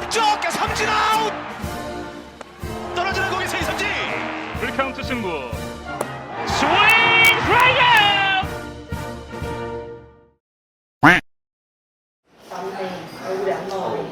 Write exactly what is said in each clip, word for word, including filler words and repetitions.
쪽 삼진 아웃. 떨어지는 공이 세이선지. 풀카운트 승부. 스윙 드라이브. 맞네. 얼굴이 안 나와요.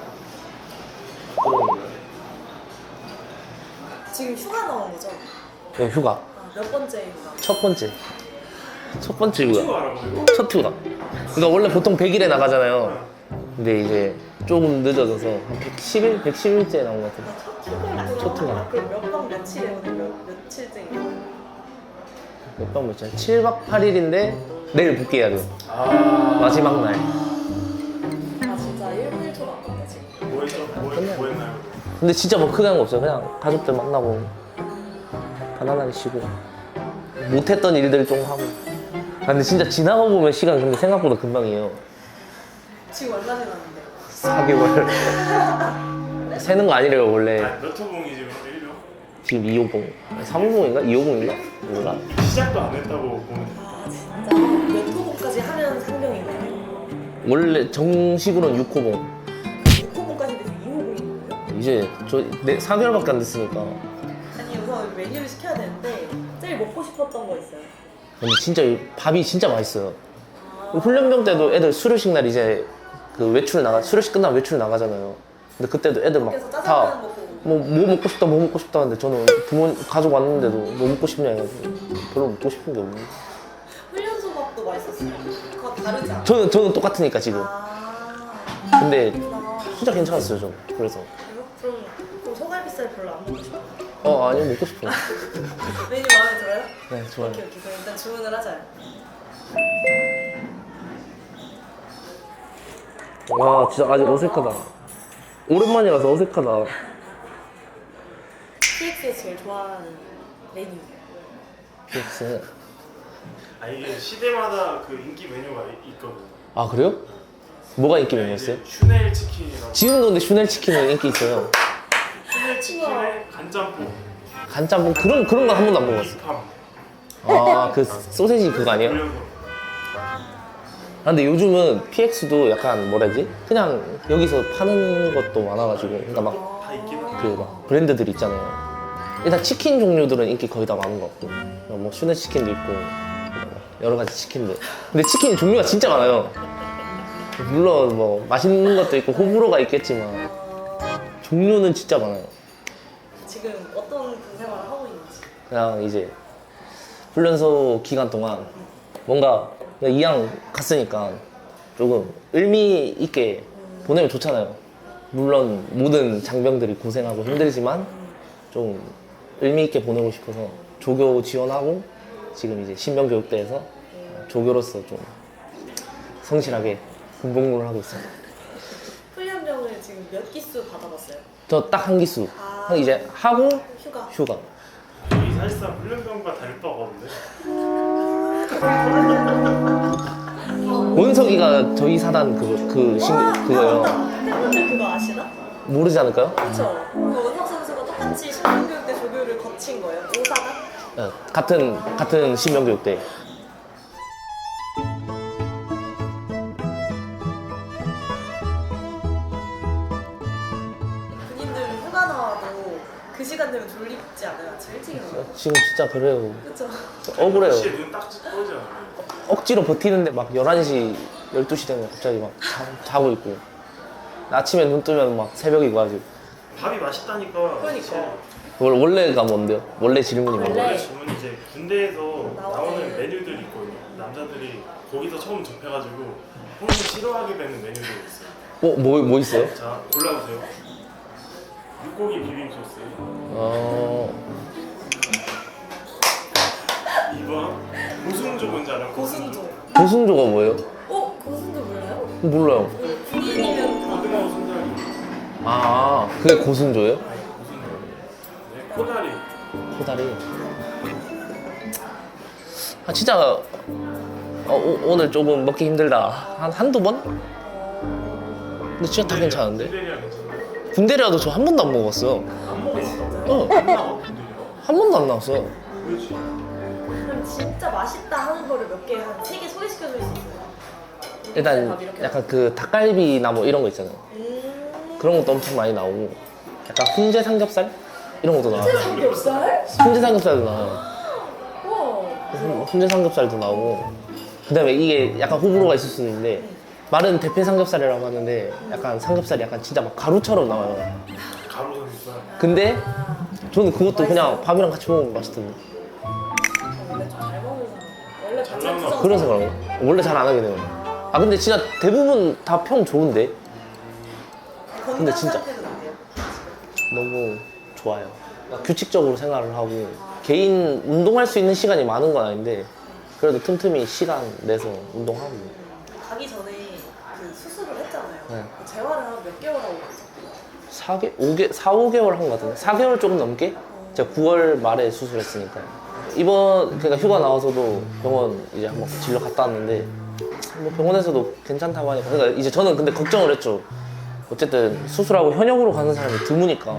지금 휴가 나온 거죠? 네, 휴가. 아, 몇 번째 휴가? 첫 번째. 첫 번째 휴가. 첫 휴가. 그러니까 원래 보통 백 일에 나가잖아요. 근데 이제 조금 늦어져서 한 백십 일? 백십 일째 나온 것 같아요. 첫 휴가? 첫 휴가. 그럼 몇 박 며칠에 오늘 몇, 며칠째? 몇 박 며칠? 칠 박 팔 일인데 내일 복귀해야 돼요. 마지막 날. 아 진짜 일 분 일 초도 안 갔네 지금. 뭐 했죠? 뭐, 했- 뭐 했나요? 근데 진짜 뭐 크게 한 거 없어요. 그냥 가족들 만나고 편안하게 쉬고 못했던 일들 좀 하고. 아, 근데 진짜 지나가 보면 시간 근데 생각보다 금방이에요. 지금 얼마 지났는데? 사 개월. 세는 거 아니래요 원래. 아니, 몇 호봉이 지금 일요? 지금 이 호봉. 삼 호봉인가? 이 호봉인가? 몰라. 시작도 안 했다고 보면 아 진짜 몇 호봉까지 하면 상병인가요? 원래 정식으로는 육 호봉. 육 호봉까지 돼서 이 호봉인 거예요? 이제 저 네, 사 개월밖에 안 됐으니까. 아니 우선 메뉴를 시켜야 되는데 제일 먹고 싶었던 거 있어요? 근데 진짜 이 밥이 진짜 맛있어요. 아, 훈련병 때도 애들 수료식 날 이제 그 외출 나가 수료식 끝나면 외출 나가잖아요. 근데 그때도 애들 그래서 짜장면 막다 먹고 뭐, 뭐 먹고 싶다 뭐 먹고 싶다 하는데 저는 부모 가족 왔는데도 뭐 먹고 싶냐 해가지고 별로 먹고 싶은 게 없는데. 훈련소밥도 맛있었어요. 그거 다르지 않아요? 저는 저는 똑같으니까 지금. 아 근데 그렇구나. 진짜 괜찮았어요 저. 그래서 그래요? 그럼, 그럼 소갈비살 별로 안 먹고 싶어요? 어 아니요 먹고 싶어요. 메뉴 마음에 들어요? 네 좋아요. 오케이 오케이 그럼 일단 주문을 하자요. 와 진짜 아직 어색하다. 오랜만이라서 어색하다. 티엑스에서 제일 좋아하는 메뉴. 피엑스. 아 이게 시대마다 그 인기 메뉴가 이- 있거든요. 아 그래요? 뭐가 인기 메뉴였어요? 이제 슈넬 치킨이라고. 지금도 근데 슈넬 치킨은 인기 있어요. 슈넬 치킨에 간짬뽕, 간짬뽕 그런 그런 건 한 번도 안 먹어봤어. 비팜. 아 그 소세지 그거 아니에요? 올려서. 아, 근데 요즘은 피엑스도 약간 뭐라 해야지? 그냥 여기서 파는 것도 많아가지고 그러니까 막 다 있긴 해. 그 막 브랜드들 있잖아요. 일단 치킨 종류들은 인기 거의 다 많은 것 같고 뭐 슈넬 치킨도 있고 여러 가지 치킨들. 근데 치킨 종류가 진짜 많아요. 물론 뭐 맛있는 것도 있고 호불호가 있겠지만 종류는 진짜 많아요. 지금 어떤 군 생활을 하고 있는지. 그냥 이제 훈련소 기간 동안 뭔가 그냥 이왕 갔으니까 조금 의미 있게 보내면 좋잖아요. 물론 모든 장병들이 고생하고 힘들지만 좀 의미 있게 보내고 싶어서 조교 지원하고 지금 이제 신병교육대에서 조교로서 좀 성실하게 군복무를 하고 있어요. 훈련병을 지금 몇 기수 받아봤어요? 저 딱 한 기수 아. 한 이제 하고 휴가. 휴가. 여기 사실상 훈련병과 다를 바가 없는데. 원석이가 저희 사단 그거 그 신, 와, 그거요. 맞다. 팬분들 그거 아시나? 모르지 않을까요? 그렇죠. 그 원석 선수가 똑같이 신병교육대 조교를 거친 거예요. 오사단? 네, 같은 같은 신병교육대. 군인들 휴가 나와도 그 시간 되면 졸립지 않아요? 아침 일찍 일어나요? 지금 진짜 그래요. 그렇죠. 억울해요. 시에 눈딱 떠지 않아요. 억지로 버티는데 막 열한 시, 열두 시 되면 갑자기 막 자, 자고 있고 아침에 눈 뜨면 막 새벽이고 아직. 밥이 맛있다니까. 그러니까. 원- 원래가 뭔데요? 원래 질문이 원래. 뭔데요? 원래 질문이 이제 군대에서 나오는 나오는 메뉴들이 있거든요. 남자들이 거기서 처음 접해가지고 본인이 싫어하게 되는 메뉴들이 있어요. 어? 뭐, 뭐 있어요? 자 골라주세요. 육고기 비빔 소스. 어... 이 번 고순조 뭔지 알아요? 고순조. 고순조가 뭐예요? 어? 고순조 몰라요? 몰라요. 군인이면 다. 고등어 순살기. 아, 그게 고순조예요? 아니 고순조. 네, 코다리. 코다리. 아 진짜 어, 오, 오늘 조금 먹기 힘들다. 한 한두 번? 근데 진짜 다 괜찮은데? 군대리아 괜찮아요? 군대라도 저 한 번도 안 먹어봤어요. 안 먹었어. 어, 안 나와 군대리아. 한 번도 안 나왔어요. 그렇지. 그럼 진짜 맛있다 하는 거를 몇 개, 한 세 개 소개시켜 줄 수 있어요? 일단 밥 이렇게 약간 그 닭갈비나 뭐 이런 거 있잖아요. 음. 그런 것도 엄청 많이 나오고 약간 훈제 삼겹살 이런 것도 나와요. 삼겹살? 훈제 삼겹살도 나와요. 와. 훈제 삼겹살도 나오고 그다음에 이게 약간 호불호가 있을 수는 있는데 말은 대패 삼겹살이라고 하는데 약간 삼겹살이 약간 진짜 막 가루처럼 나와요. 가루 삼겹살. 근데 저는 그것도 그냥 밥이랑 같이 먹으면 맛있던데. 원래 좀 잘 먹는 사람. 원래 잘 반찬 먹나? 투정 그래서 그런가? 원래 잘 안 하게 돼요. 아 근데 진짜 대부분 다 평 좋은데 건강 근데 진짜. 상태는 어때요? 너무 좋아요. 그러니까 규칙적으로 생활을 하고 개인 운동할 수 있는 시간이 많은 건 아닌데 그래도 틈틈이 시간 내서 운동하고. 가기 전에 그 수술을 했잖아요. 네. 그 재활을 한 몇 개월 하고 갔죠? 사 개, 오 개, 사, 오 개월 한 것 같은데 사 개월 조금 넘게? 제가 구월 말에 수술했으니까 이번 그러니까 휴가 나와서도 병원 이제 한번 진료 갔다 왔는데 뭐 병원에서도 괜찮다고 하니까 그러니까 이제 저는 근데 걱정을 했죠. 어쨌든 수술하고 현역으로 가는 사람이 드무니까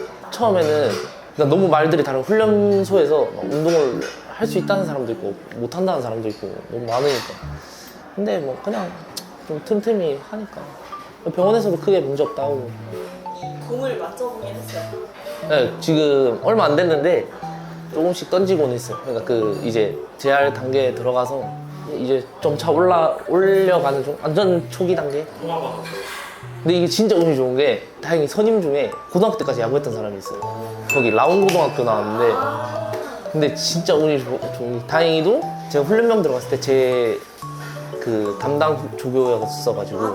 처음에는 그러니까 너무 말들이 다른 훈련소에서 막 운동을 할 수 있다는 사람도 있고 못 한다는 사람도 있고 너무 많으니까 근데 뭐 그냥 좀 틈틈이 하니까 병원에서도 크게 문제 없다고. 공을 맞춰보긴 했어요. 네, 지금 얼마 안 됐는데 조금씩 던지고는 있어요. 그러니까 그 이제 재활 단계에 들어가서 이제 점차 올라 올려가는 중 완전 초기 단계. 통화 받았어요. 근데 이게 진짜 운이 좋은 게 다행히 선임 중에 고등학교 때까지 야구했던 사람이 있어요. 거기 라운 고등학교 나왔는데 근데 진짜 운이 좋, 좋은 게 다행히도 제가 훈련병 들어갔을 때 제 그 담당 조교였어가지고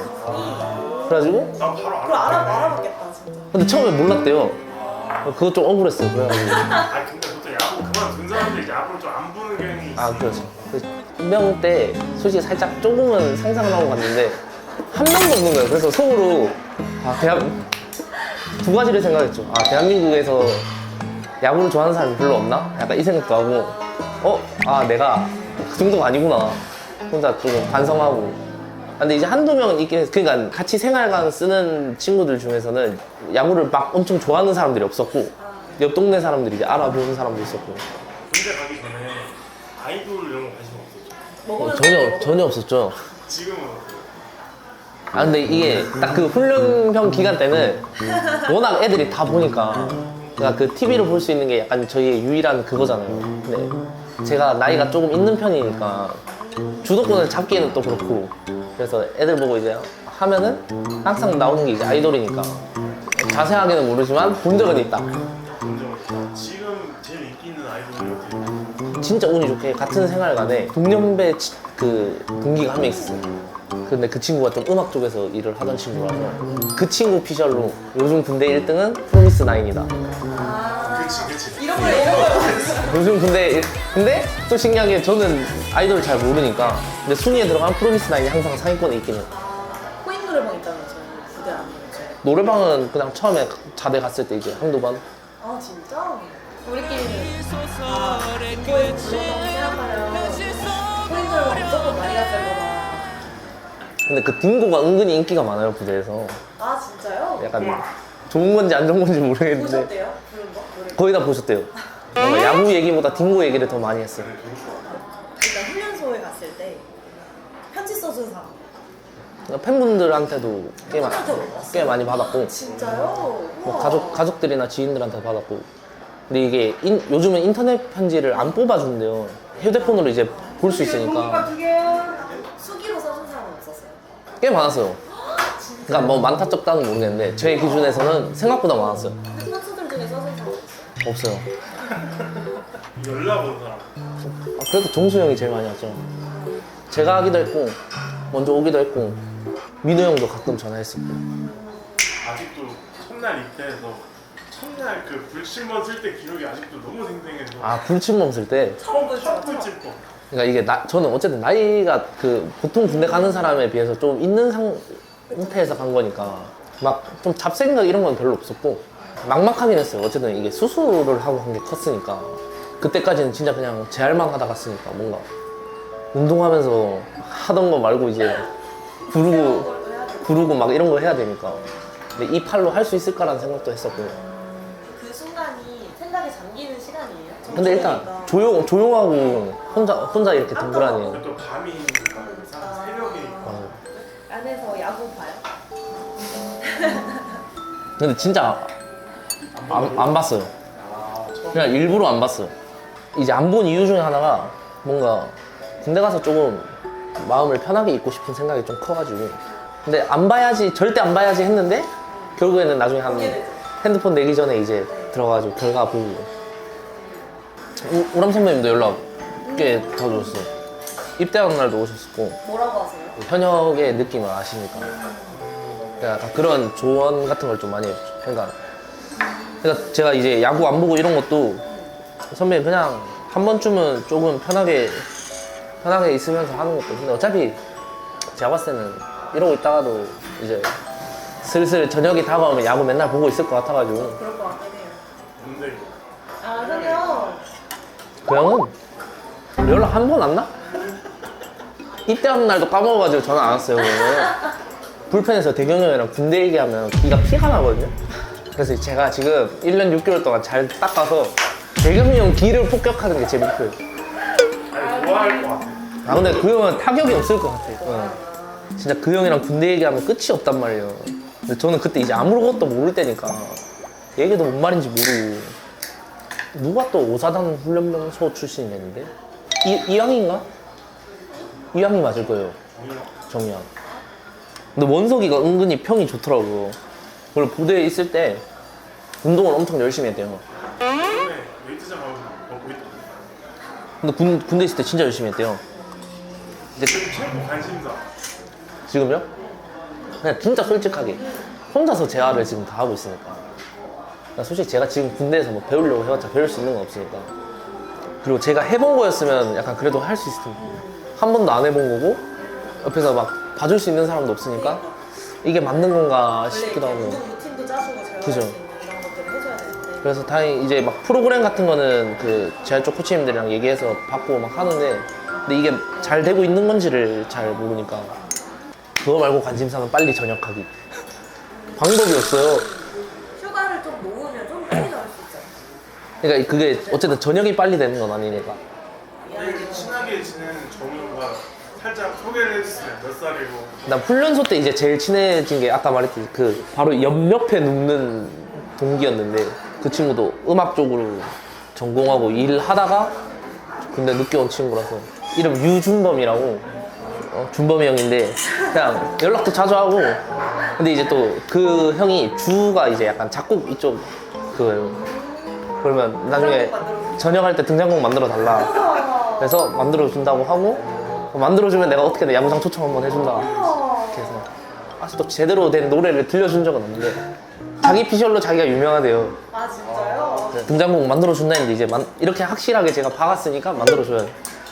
그래가지고 난 바로 그걸 알아. 알아, 알아봤겠다 진짜. 근데 처음에 몰랐대요. 그거 좀 억울했어요. 그래가지고 아 근데 보통 야구 그만둔 사람들이 이제 야구를 좀 안 보는 경향이 있어. 아 그렇죠. 훈병 때 솔직히 살짝 조금은 상상을 하고 갔는데 한 명도 없는 거예요. 그래서 속으로 아 대한 두 가지를 생각했죠. 아 대한민국에서 야구를 좋아하는 사람이 별로 없나? 약간 이 생각도 하고 어? 아 내가 그 정도가 아니구나. 혼자 좀 반성하고. 근데 이제 한두 명은 있긴 해서 그러니까 같이 생활관 쓰는 친구들 중에서는 야구를 막 엄청 좋아하는 사람들이 없었고 옆 동네 사람들이 이제 알아보는 사람도 있었고 군대 가기 전에 아이돌 이런 거 관심 없었죠. 먹으면 어, 전혀 전혀 없었죠. 지금은 어때요? 아 근데 이게 딱 그 훈련병 기간 때는 워낙 애들이 다 보니까 그러니까 그 티비로 볼 수 있는 게 약간 저희의 유일한 그거잖아요. 근데 제가 나이가 조금 있는 편이니까 주도권을 잡기에는 또 그렇고 그래서 애들 보고 이제 하면은 항상 나오는 게 이제 아이돌이니까 자세하게는 모르지만 본 적은 있다. 먼저 지금 제일 인기 있는 아이돌이 어때요? 진짜 운이 좋게 같은 생활관에 동년배 치- 그 동기가 한 명 있었어요. 근데 그 친구가 좀 음악 쪽에서 일을 하던 친구라서 그 친구 피셜로 요즘 군대 일 등은 프로미스 나인이다. 그치 그치. 이런 걸 이런 걸 요즘 군대 일- 근데 또 신기한 게 저는 아이돌을 잘 모르니까 근데 순위에 들어가면 프로미스 나인이 항상 상위권에 있긴 해요. 코인 노래방 있다면서요? 부대 아니에요? 노래방은 그냥 처음에 자대 갔을 때 이제 한두 번. 아 진짜? 우리끼리는 아 인도에서 불렀다고 생각하면 코인 노래방 무조건 많이 갔을 거다. 근데 그 딩고가 은근히 인기가 많아요 부대에서. 아 진짜요? 약간 좋은 건지 안 좋은 건지 모르겠는데 보셨대요? 부른 거? 노래? 거의 다 보셨대요. 뭔가 야구 얘기보다 딩고 얘기를 더 많이 했어요. 일단 훈련소에 갔을 때 편지 써준 사람 그러니까 팬분들한테도 꽤, 마, 꽤 많이 받았고 진짜요? 뭐 우와. 가족, 가족들이나 지인들한테 받았고 근데 이게 인- 요즘은 인터넷 편지를 안 뽑아준대요. 휴대폰으로 이제 볼 수 있으니까 수기로 써준 사람은 없었어요? 꽤 많았어요. 그러니까 뭐 많다 적다는 모르겠는데 제 기준에서는 생각보다 많았어요. 근데 선수들 중에 써준 사람 없어요? 없어요. 연락 온 사람. 아, 그래도 종수 형이 제일 많이 왔죠. 제가 하기도 했고 먼저 오기도 했고 민호 형도 가끔 전화했었고. 아직도 첫날 입대해서 첫날 그 불침번 쓸 때 기록이 아직도 너무 생생해서. 아 불침범 쓸 때 처음 본 첫 거 불침번. 그러니까 이게 나, 저는 어쨌든 나이가 그 보통 군대 가는 사람에 비해서 좀 있는 상태에서 간 거니까 막 좀 잡생각 이런 건 별로 없었고 막막하긴 했어요. 어쨌든 이게 수술을 하고 한 게 컸으니까 그때까지는 진짜 그냥 재활만 하다 갔으니까 뭔가 운동하면서 하던 거 말고 이제 구르고 구르고 막 이런 거 해야 되니까 근데 이 팔로 할 수 있을까라는 생각도 했었고 그 순간이 생각에 잠기는 시간이에요? 근데 일단 정신이니까. 조용, 조용하고 혼자 혼자 이렇게 덩그라니 그리고 또 밤이니까 새벽에 어, 안에서 야구 봐요? 근데 진짜 안, 안 봤어요. 아, 처음. 그냥 일부러 안 봤어요. 이제 안 본 이유 중에 하나가 뭔가 군대 가서 조금 마음을 편하게 있고 싶은 생각이 좀 커가지고. 근데 안 봐야지, 절대 안 봐야지 했는데 결국에는 나중에 한 핸드폰 내기 전에 이제 들어가가지고 결과 보고. 우, 우람 선배님도 연락 꽤 더 줬어요. 입대하는 날도 오셨었고. 뭐라고 하세요? 현역의 느낌을 아시니까. 약간 그런 조언 같은 걸 좀 많이 해주죠. 그러니까, 그러니까 제가 이제 야구 안 보고 이런 것도 선배님 그냥 한 번쯤은 조금 편하게 편하게 있으면서 하는 것도. 근데 어차피 제가 봤을 때는 이러고 있다가도 이제 슬슬 저녁이 다가오면 야구 맨날 보고 있을 것 같아가지고. 그럴 것 같긴 해요. 근데 아, 그냥 그 형은 연락 한 번 왔나? 입대하는 날도 까먹어가지고 전화 안 왔어요. 그러면. 불펜에서 대경이 형이랑 군대 얘기하면 귀가 피가 나거든요. 그래서 제가 지금 일 년 육 개월 동안 잘 닦아서 대경이 형 귀를 폭격하는 게 제 목표예요. 아니 좋아할 것 같아. 아 근데 그 형은 타격이 없을 것 같아요. 응. 진짜 그 형이랑 군대 얘기하면 끝이 없단 말이에요. 근데 저는 그때 이제 아무것도 모를 때니까 얘기도 뭔 말인지 모르고. 누가 또 오사단 훈련병소 출신이랬는데? 이, 이왕인가? 이왕이 맞을 거예요. 정이왕. 근데 원석이가 은근히 평이 좋더라고요. 그리고 부대에 있을 때 운동을 엄청 열심히 했대요. 근데 웨이트장 가서 먹고 있다. 근데 군, 군대 있을 때 진짜 열심히 했대요. 근데 지금 최고 관심사. 지금요? 그냥 진짜 솔직하게 혼자서 재활을 지금 다 하고 있으니까. 그러니까 솔직히 제가 지금 군대에서 뭐 배우려고 해봤자 배울 수 있는 건 없으니까. 그리고 제가 해본 거였으면 약간 그래도 할 수 있을 텐데 한 번도 안 해본 거고 옆에서 막 봐줄 수 있는 사람도 없으니까 이게 맞는 건가 싶기도 원래 하고. 운동 루틴도 짜주고 제가 그죠. 할수 있는 이런 것들을 해줘야 되는데. 그래서 다행히 이제 막 프로그램 같은 거는 그 재활 쪽 코치님들이랑 얘기해서 받고 막 하는데 근데 이게 잘 되고 있는 건지를 잘 모르니까 그거 말고 관심사는 빨리 전역하기. 방법이 없어요. 휴가를 좀 모으면 좀 빨리 나올 수 있잖아요. 그러니까 그게 어쨌든 전역이 빨리 되는 건 아니니까. 이렇게 친하게 지내는 정우가 살짝 소개를 해주세요. 몇 살이고. 난 훈련소 때 이제 제일 친해진 게 아까 말했듯이 그 바로 옆 옆에 눕는 동기였는데 그 친구도 음악 쪽으로 전공하고 일하다가 근데 늦게 온 친구라서 이름 유준범이라고. 어, 준범이 형인데 그냥 연락도 자주 하고 근데 이제 또 그 형이 주가 이제 약간 작곡 이쪽 그거예요. 그러면 나중에 전역할 때 등장곡 만들어 달라 그래서 만들어 준다고 하고 만들어주면 내가 어떻게든 야구장 초청 한번 해준다 이렇게 해서 아직도 제대로 된 노래를 들려준 적은 없는데 자기 피셜로 자기가 유명하대요. 아, 진짜요? 네, 등장곡 만들어준다 했는데 이제 만, 이렇게 확실하게 제가 박았으니까 만들어줘요.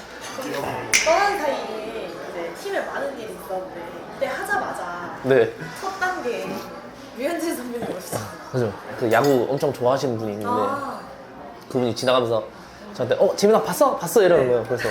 떠난 사이에 이제 팀에 많은 일이 있었는데 그때 하자마자 네, 첫 단계 류현진 선배님 오셨어요. 그죠. 그 야구 엄청 좋아하시는 분이 있는데 아, 그분이 지나가면서 저한테 어 재민아 봤어? 봤어? 이러는 거예요. 그래서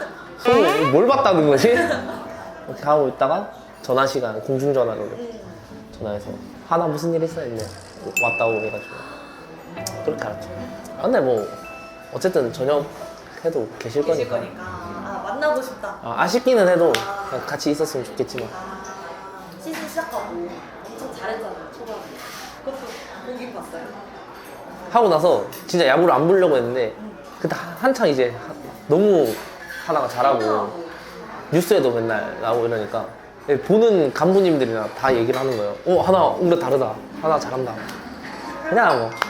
손 뭘 봤다는 거지? 이렇게 하고 있다가 전화 시간 공중전화로 전화해서 하나 무슨 일 있어? 했는데 왔다고 해가지고 그렇게 알았죠. 아, 근데 뭐 어쨌든 저녁 해도 계실 계실 거니까 거니까. 아, 만나고 싶다. 아, 아쉽기는 해도 그냥 같이 있었으면 좋겠지만 아, 시즌 시작하고 엄청 잘했잖아요, 초반에. 그것도 보긴 봤어요. 하고 나서 진짜 야구를 안 보려고 했는데 그때 한- 한창 이제 하- 너무 하나가 잘하고 뉴스에도 맨날 나오고 이러니까 보는 간부님들이나 다 얘기를 하는 거예요. 어 하나 오늘 다르다. 하나 잘한다. 그냥 뭐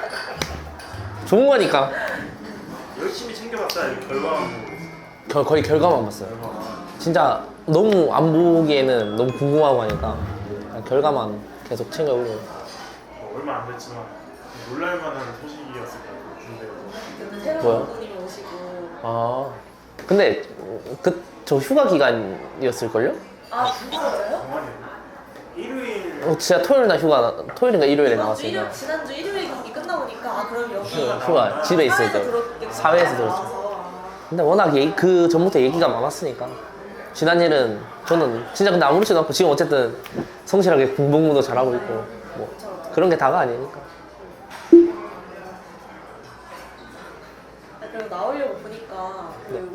좋은 거니까 열심히 챙겨봤다. 이 결과만 보고. 겨- 거의 결과만 봤어요. 진짜 너무 안 보기에는 너무 궁금하고 하니까 그냥 결과만 계속 챙겨보고. 어, 얼마 안 됐지만 놀랄만한 소식이었을 것 같아요. 군대에서. 그때 새로운 뭐요? 감독님이 오시고. 아 근데 그 저 휴가 기간이었을걸요? 아, 진짜요? 정말이에요. 일요일 어, 진짜 토요일 날 휴가 일요일인가 일요일에 지난주 나왔으니까 일요일, 지난주 일요일 경기 끝나보니까 아, 그럼 여기 휴가, 휴가 집에 있을 때 들었겠구나. 사회에서 들었죠. 나와서. 근데 워낙 얘기, 그 전부터 얘기가 많았으니까 지난 일은 저는 진짜 근데 아무렇지도 않고 지금 어쨌든 성실하게 공복무도 잘하고 있고 뭐 그런 게 다가 아니니까. 아, 그리고 나오려고 보니까 그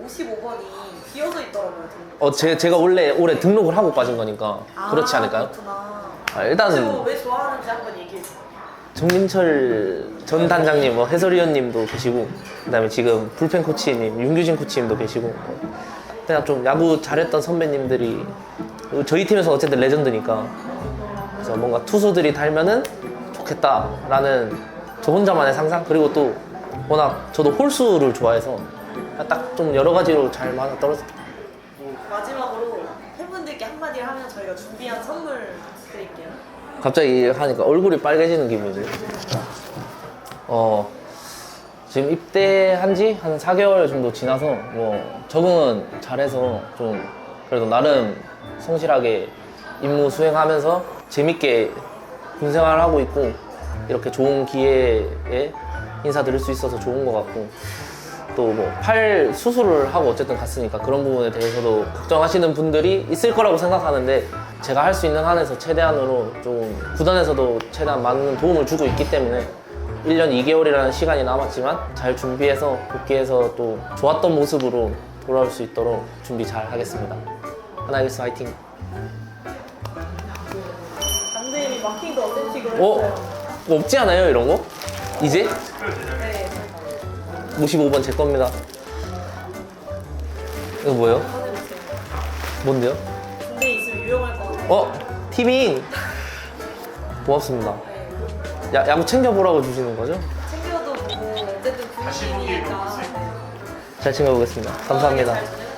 오십오 번이 비어져 있더라고요. 등록. 어, 제, 제가 원래 올해 등록을 하고 빠진 거니까 아, 그렇지 않을까요? 그렇구나. 아, 일단은 혹시 왜 좋아하는지 한번 얘기해 주세요. 정민철 전 단장님, 뭐 해설위원님도 계시고, 그다음에 지금 불펜 코치님, 윤규진 코치님도 계시고, 그냥 좀 야구 잘했던 선배님들이 그리고 저희 팀에서 어쨌든 레전드니까 그래서 뭔가 투수들이 달면은 좋겠다라는 저 혼자만의 상상. 그리고 또 워낙 저도 홀수를 좋아해서 딱 좀 여러 가지로 잘 맞아 떨어졌다. 마지막으로 팬분들께 한마디를 하면 저희가 준비한 선물 드릴게요. 갑자기 하니까 얼굴이 빨개지는 기분이 들어요. 어, 지금 입대한 지 한 사 개월 정도 지나서 뭐 적응은 잘해서 좀 그래도 나름 성실하게 임무 수행하면서 재밌게 군 생활을 하고 있고 이렇게 좋은 기회에 인사드릴 수 있어서 좋은 것 같고 또 뭐 팔 수술을 하고 어쨌든 갔으니까 그런 부분에 대해서도 걱정하시는 분들이 있을 거라고 생각하는데 제가 할 수 있는 한에서 최대한으로 좀 구단에서도 최대한 많은 도움을 주고 있기 때문에 일 년 이 개월이라는 시간이 남았지만 잘 준비해서 복귀해서 또 좋았던 모습으로 돌아올 수 있도록 준비 잘 하겠습니다. 하나이글스 화이팅! 강대님이 마킹도 어센틱으로 어? 했어요. 뭐 없지 않아요 이런 거? 이제? 네. 오십오 번 제 겁니다. 이거 뭐예요? 꺼내보세요. 뭔데요? 군대에 있으면 유용할 것 같아요. 어? 티빙! 고맙습니다. 네. 야, 야구 챙겨보라고 주시는 거죠? 챙겨도 보고 어쨌든 다시 보기에 군인이니까. 너무 잘 챙겨보겠습니다. 감사합니다. 잘 지내고